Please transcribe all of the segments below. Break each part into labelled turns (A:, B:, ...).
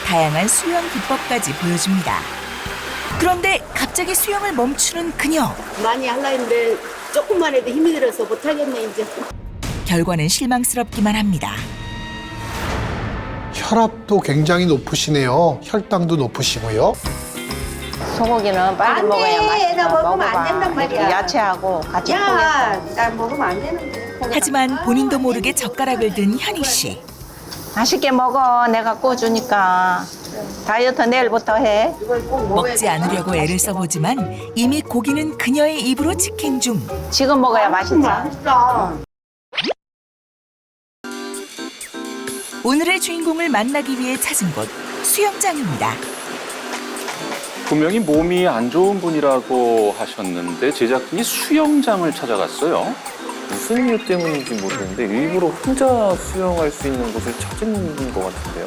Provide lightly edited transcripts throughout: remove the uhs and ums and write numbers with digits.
A: 다양한 수영 기법까지 보여줍니다. 그런데 갑자기 수영을 멈추는 그녀.
B: 많이 하려 했는데 조금만 해도 힘이 들어서 못하겠네 이제.
A: 결과는 실망스럽기만 합니다.
C: 혈압도 굉장히 높으시네요. 혈당도 높으시고요.
D: 소고기는 빨리
B: 안
D: 먹어야
B: 돼.
D: 맛있다.
B: 나 먹으면 안
D: 먹어봐.
B: 된단 말이야.
D: 이렇게 야채하고 같이
B: 야,
D: 포개서.
B: 난 먹으면 안 되는데.
A: 하지만 본인도 모르게 젓가락을 든 현희 씨.
D: 맛있게 먹어. 내가 구워주니까. 다이어트 내일부터 해.
B: 이걸 꼭 먹어야
A: 먹지 않으려고 애를 써보지만 이미 고기는 그녀의 입으로 직행 중.
D: 지금 먹어야 맛있지.
B: 맛있어.
A: 오늘의 주인공을 만나기 위해 찾은 곳 수영장입니다.
E: 분명히 몸이 안 좋은 분이라고 하셨는데 제작진이 수영장을 찾아갔어요.
F: 무슨 이유 때문인지 모르겠는데 일부러 혼자 수영할 수 있는 곳을 찾은 것 같은데요.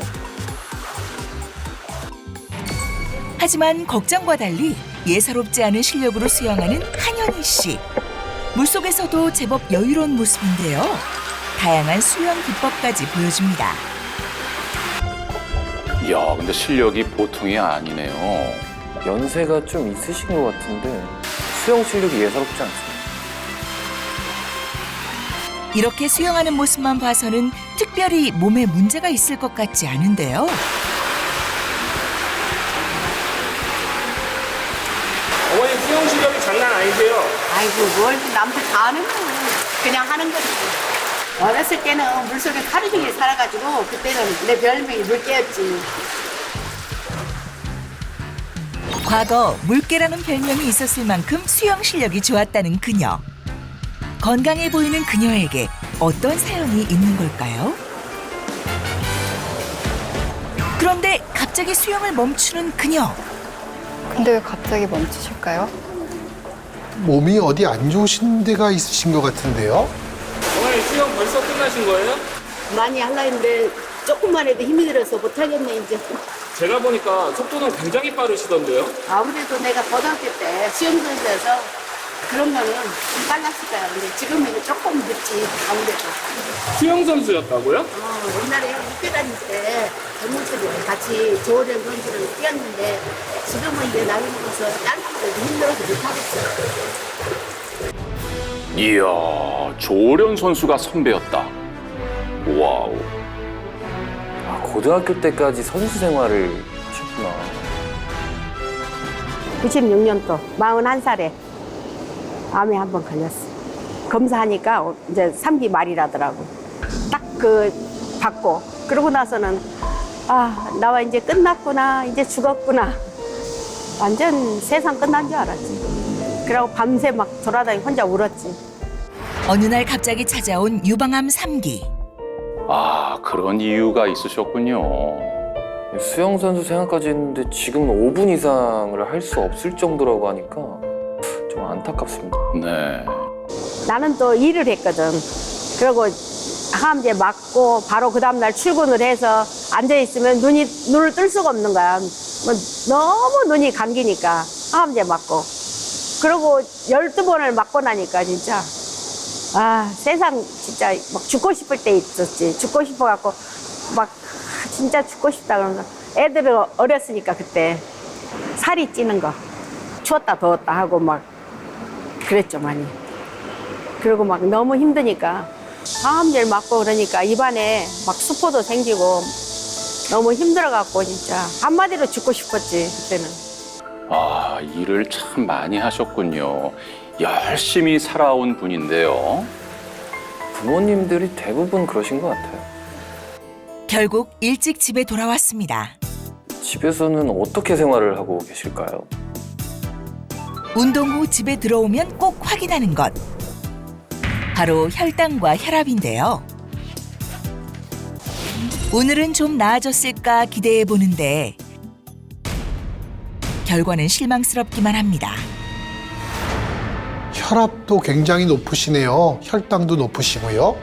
A: 하지만 걱정과 달리 예사롭지 않은 실력으로 수영하는 한현희 씨. 물속에서도 제법 여유로운 모습인데요. 다양한 수영 기법까지 보여줍니다.
E: 이야, 근데 실력이 보통이 아니네요.
F: 연세가 좀 있으신 것 같은데 수영 실력이 예사롭지 않습니다.
A: 이렇게 수영하는 모습만 봐서는 특별히 몸에 문제가 있을 것 같지 않은데요.
G: 어머니 수영 실력이 장난 아니세요?
B: 아이고 뭘 남들 다 하는 거 그냥 하는 거지. 어렸을 때는 물속에 하루 종일 살아가지고 그때는 내 별명이 물개였지.
A: 과거 물개라는 별명이 있었을 만큼 수영 실력이 좋았다는 그녀. 건강해 보이는 그녀에게 어떤 사연이 있는 걸까요? 그런데 갑자기 수영을 멈추는 그녀.
H: 근데 왜 갑자기 멈추실까요?
C: 몸이 어디 안 좋으신 데가 있으신 것 같은데요.
G: 어머니 수영 벌써 끝나신 거예요?
B: 많이 하려 했는데 조금만 해도 힘이 들어서 못하겠네 이제.
G: 제가 보니까 속도는 굉장히 빠르시던데요?
B: 아무래도 내가 고등학교 때 수영선수여서 그런 거는 좀 빨랐을 거야. 근데 지금은 조금 늦지 아무래도.
G: 수영 선수였다고요?
B: 옛날에 육교 다닐 때 젊은이들 같이 조련 선수를 뛰었는데 지금은 이제 나이 먹어서 다른 것들도 힘들어서 못하겠어요.
E: 이야, 조련 선수가 선배였다. 와우.
F: 아, 고등학교 때까지 선수 생활을 하셨구나.
B: 96년도 41살에 암에 한 번 걸렸어. 검사하니까 이제 3기 말이라더라고. 딱 그 받고 그러고 나서는 아 나와 이제 끝났구나 이제 죽었구나. 완전 세상 끝난 줄 알았지. 그러고 밤새 막 돌아다니 혼자 울었지.
A: 어느 날 갑자기 찾아온 유방암 3기.
E: 아, 그런 이유가 있으셨군요.
F: 수영 선수 생활까지 했는데 지금은 5분 이상을 할 수 없을 정도라고 하니까 좀 안타깝습니다.
E: 네.
B: 나는 또 일을 했거든. 그리고 항암제 맞고 바로 그 다음날 출근을 해서 앉아있으면 눈을 뜰 수가 없는 거야. 뭐 너무 눈이 감기니까 항암제 맞고. 그리고 12번을 맞고 나니까 진짜 아 세상 진짜 막 죽고 싶을 때 있었지. 죽고 싶어갖고 막 진짜 죽고 싶다 그러면서 애들은 어렸으니까 그때 살이 찌는 거 추웠다 더웠다 하고 막 그랬죠 많이. 그리고 막 너무 힘드니까 항암제를 맞고 그러니까 입안에 막 수포도 생기고 너무 힘들어갖고 진짜 한마디로 죽고 싶었지 그때는.
E: 아, 일을 참 많이 하셨군요. 열심히 살아온 분인데요.
F: 부모님들이 대부분 그러신 것 같아요.
A: 결국 일찍 집에 돌아왔습니다.
F: 집에서는 어떻게 생활을 하고 계실까요?
A: 운동 후 집에 들어오면 꼭 확인하는 것. 바로 혈당과 혈압인데요. 오늘은 좀 나아졌을까 기대해 보는데 결과는 실망스럽기만 합니다.
C: 혈압도 굉장히 높으시네요. 혈당도 높으시고요.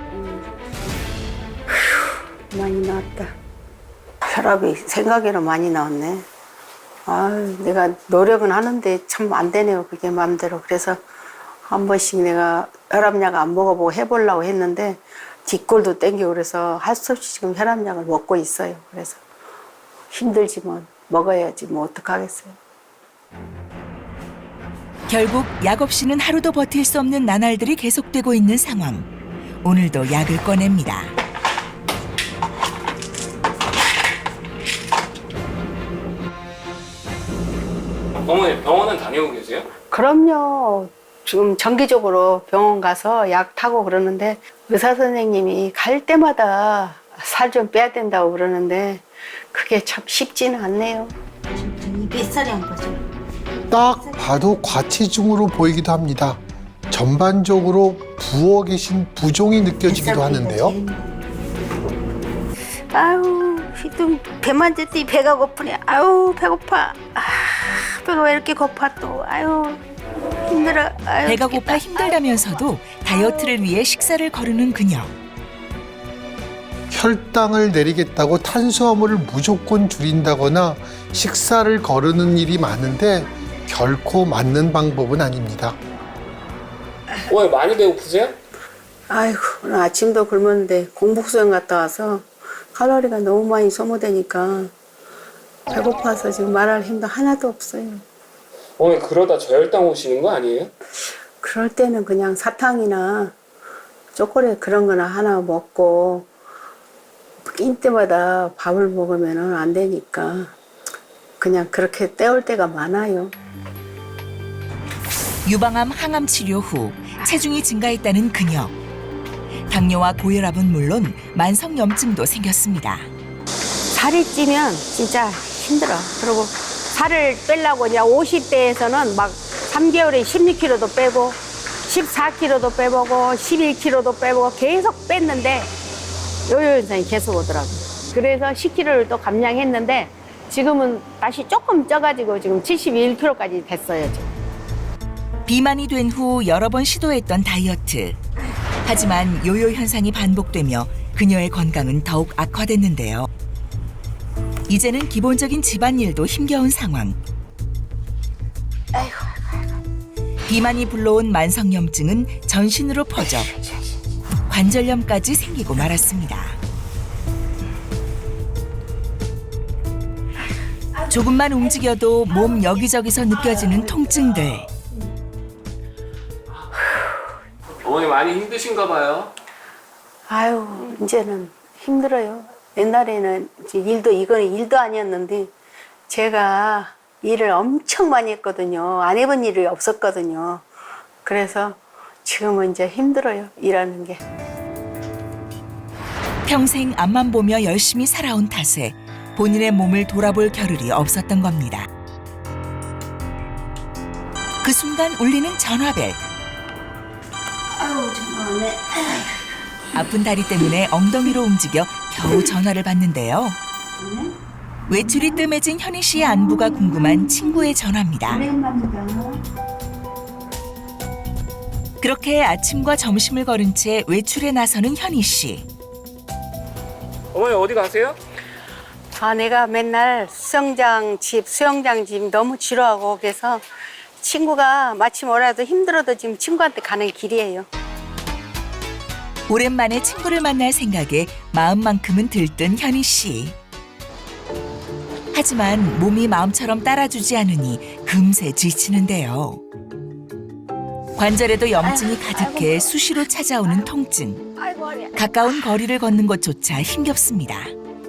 B: 많이 나왔다. 혈압이 생각외로 많이 나왔네. 아, 내가 노력은 하는데 참 안 되네요. 그게 마음대로. 그래서 한 번씩 내가 혈압약 안 먹어보고 해보려고 했는데 뒷골도 땡기고 그래서 할 수 없이 지금 혈압약을 먹고 있어요. 그래서 힘들지만 먹어야지 뭐 어떡하겠어요.
A: 결국 약 없이는 하루도 버틸 수 없는 나날들이 계속되고 있는 상황. 오늘도 약을 꺼냅니다.
G: 어머니 병원은 다녀오고 계세요?
B: 그럼요. 지금 정기적으로 병원 가서 약 타고 그러는데 의사 선생님이 갈 때마다 살 좀 빼야 된다고 그러는데 그게 참 쉽지는 않네요.
I: 뱃살이 안 빠져.
C: 딱 봐도 과체중으로 보이기도 합니다. 전반적으로 부어 계신 부종이 느껴지기도 하는데요.
I: 아유, 좀 배만 졌더니 배가 고프네. 아유, 배고파. 아, 배가 왜 이렇게 고파 또. 아유, 힘들어. 아유,
A: 배가
I: 죽겠다.
A: 고파 힘들다면서도 다이어트를 위해 식사를 거르는 그녀.
C: 혈당을 내리겠다고 탄수화물을 무조건 줄인다거나 식사를 거르는 일이 많은데 결코 맞는 방법은 아닙니다.
G: 어머니 많이 배고프세요?
B: 아이고, 오늘 아침도 굶었는데 공복 수영 갔다 와서 칼로리가 너무 많이 소모되니까 배고파서 지금 말할 힘도 하나도 없어요.
G: 어머니 그러다 저혈당 오시는 거 아니에요?
B: 그럴 때는 그냥 사탕이나 초콜릿 그런 거나 하나 먹고 낀 때마다 밥을 먹으면 안 되니까 그냥 그렇게 때울 때가 많아요.
A: 유방암 항암 치료 후 체중이 증가했다는 그녀. 당뇨와 고혈압은 물론 만성 염증도 생겼습니다.
B: 살이 찌면 진짜 힘들어. 그리고 살을 빼려고 이제 50대에서는 막 3개월에 16kg도 빼고 14kg도 빼보고 11kg도 빼보고 계속 뺐는데 요요 현상이 계속 오더라고요. 그래서 10kg를 또 감량했는데 지금은 다시 조금 쪄가지고 지금 71kg까지 됐어요. 지금.
A: 비만이 된 후 여러 번 시도했던 다이어트. 하지만 요요 현상이 반복되며 그녀의 건강은 더욱 악화됐는데요. 이제는 기본적인 집안일도 힘겨운 상황. 비만이 불러온 만성염증은 전신으로 퍼져 관절염까지 생기고 말았습니다. 조금만 움직여도 몸 여기저기서 느껴지는 통증들.
G: 어머니 많이 힘드신가 봐요.
B: 아유, 이제는 힘들어요. 옛날에는 이제 이거는 일도 아니었는데 제가 일을 엄청 많이 했거든요. 안 해본 일이 없었거든요. 그래서 지금은 이제 힘들어요, 일하는 게.
A: 평생 앞만 보며 열심히 살아온 탓에 본인의 몸을 돌아볼 겨를이 없었던 겁니다. 그 순간 울리는 전화벨.
I: 아유, 정말 네.
A: 아픈 다리 때문에 엉덩이로 움직여 겨우 전화를 받는데요. 외출이 뜸해진 현희 씨의 안부가 궁금한 친구의 전화입니다. 그렇게 아침과 점심을 거른 채 외출에 나서는 현희 씨.
G: 어머니 어디 가세요?
B: 아, 내가 맨날 수영장 집 너무 지루하고 그래서 친구가 마침 오라도 힘들어도 지금 친구한테 가는 길이에요.
A: 오랜만에 친구를 만날 생각에 마음만큼은 들뜬 현희 씨. 하지만 몸이 마음처럼 따라주지 않으니 금세 지치는데요. 관절에도 염증이 가득해 수시로 찾아오는 통증. 가까운 거리를 걷는 것조차 힘겹습니다.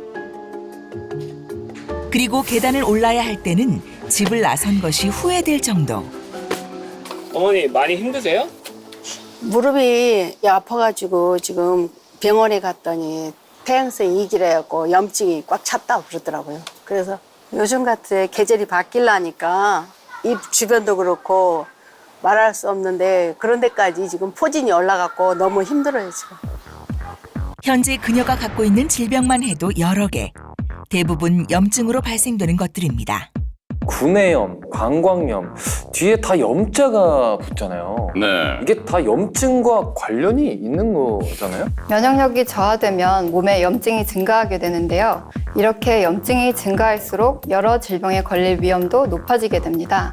A: 그리고 계단을 올라야 할 때는 집을 나선 것이 후회될 정도.
G: 어머니 많이 힘드세요?
B: 무릎이 아파가지고 지금 병원에 갔더니 태양성 이기래갖고 염증이 꽉 찼다고 그러더라고요. 그래서 요즘 같은 계절이 바뀌려니까 입 주변도 그렇고 말할 수 없는데 그런 데까지 지금 포진이 올라갔고 너무 힘들어요, 지금.
A: 현재 그녀가 갖고 있는 질병만 해도 여러 개. 대부분 염증으로 발생되는 것들입니다.
F: 구내염, 방광염 뒤에 다 염자가 붙잖아요.
E: 네.
F: 이게 다 염증과 관련이 있는 거잖아요?
H: 면역력이 저하되면 몸에 염증이 증가하게 되는데요. 이렇게 염증이 증가할수록 여러 질병에 걸릴 위험도 높아지게 됩니다.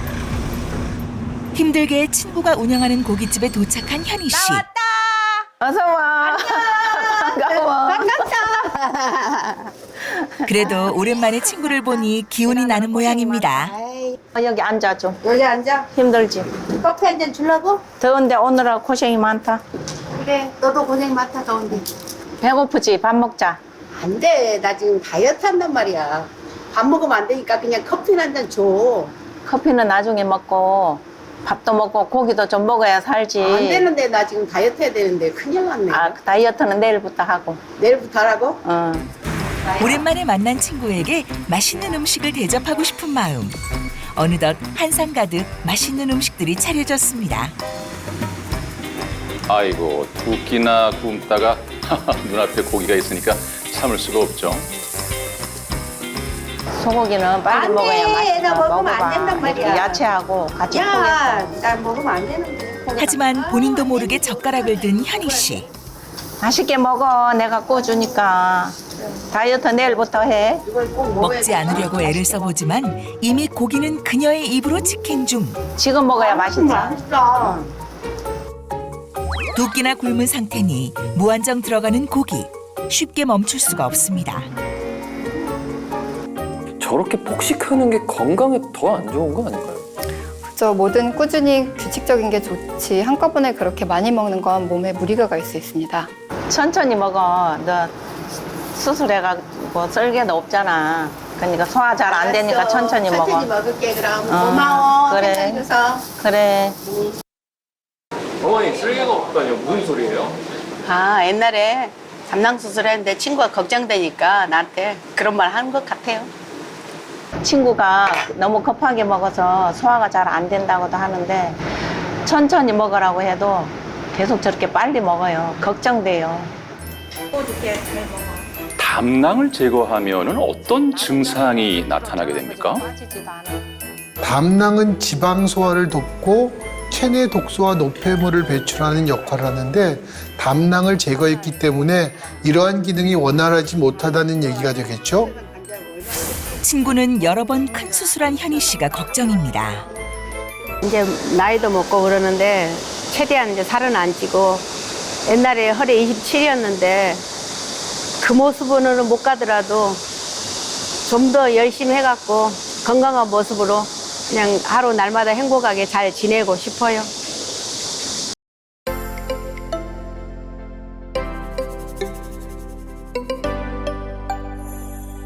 A: 힘들게 친구가 운영하는 고깃집에 도착한 현희 씨.
D: 어서 와. 반가워.
A: 그래도 오랜만에 친구를 보니 기운이 나는 모양입니다.
D: 여기 앉아 좀.
I: 여기 앉아.
D: 힘들지?
I: 커피 한 잔 주려고?
D: 더운데 오느라 고생이 많다.
I: 그래, 너도 고생 많다, 더운데.
D: 배고프지? 밥 먹자.
I: 안 돼. 나 지금 다이어트 한단 말이야. 밥 먹으면 안 되니까 그냥 커피 한 잔 줘.
D: 커피는 나중에 먹고 밥도 먹고 고기도 좀 먹어야 살지.
I: 안 되는데 나 지금 다이어트 해야 되는데 큰일 났네.
D: 아, 그 다이어트는 내일부터 하고.
I: 내일부터 하라고?
D: 어.
A: 오랜만에 만난 친구에게 맛있는 음식을 대접하고 싶은 마음. 어느덧 한상 가득 맛있는 음식들이 차려졌습니다.
E: 아이고, 두 끼나 굶다가 눈앞에 고기가 있으니까 참을 수가 없죠.
D: 소고기는 빨리
I: 안
D: 먹어야
I: 돼.
D: 맛있어.
I: 나 먹으면 안
D: 먹어봐.
I: 된단 말이야.
D: 이렇게 야채하고 같이
I: 야,
D: 포개서.
I: 나 먹으면 안 되는데.
A: 하지만 본인도 모르게 젓가락을 든 현희 씨.
D: 맛있게 먹어. 내가 구워주니까. 다이어트 내일부터 해.
I: 이걸 꼭 먹어야
A: 먹지 않으려고 애를 써보지만 이미 고기는 그녀의 입으로 직행 중.
D: 지금 먹어야 맛있어.
I: 맛있어.
A: 두 끼나 굶은 상태니 무한정 들어가는 고기. 쉽게 멈출 수가 없습니다.
F: 저렇게 폭식하는 게 건강에 더 안 좋은 거 아닌가요?
H: 그죠. 뭐든 꾸준히 규칙적인 게 좋지 한꺼번에 그렇게 많이 먹는 건 몸에 무리가 갈 수 있습니다.
D: 천천히 먹어. 너 수술해가지고 썰개도 없잖아. 그러니까 소화 잘 안 되니까
I: 알았어.
D: 천천히 먹어.
I: 천천히 먹을게 그럼.
D: 어,
I: 고마워.
D: 그래.
I: 해줘서.
D: 그래.
G: 어머니 쓸개가 없다뇨? 무슨 소리예요?
I: 아, 옛날에 담낭 수술했는데 친구가 걱정되니까 나한테 그런 말 하는 것 같아요.
D: 친구가 너무 급하게 먹어서 소화가 잘 안 된다고도 하는데 천천히 먹으라고 해도 계속 저렇게 빨리 먹어요. 걱정돼요.
E: 담낭을 제거하면은 어떤 증상이 나타나게 됩니까?
D: 빠지지도 않아.
C: 담낭은 지방 소화를 돕고 체내 독소와 노폐물을 배출하는 역할을 하는데 담낭을 제거했기 때문에 이러한 기능이 원활하지 못하다는 얘기가 되겠죠?
A: 친구는 여러 번 큰 수술한 현희 씨가 걱정입니다.
B: 이제 나이도 먹고 그러는데 최대한 이제 살은 안 찌고 옛날에 허리 27이었는데 그 모습으로는 못 가더라도 좀 더 열심히 해갖고 건강한 모습으로 그냥 하루 날마다 행복하게 잘 지내고 싶어요.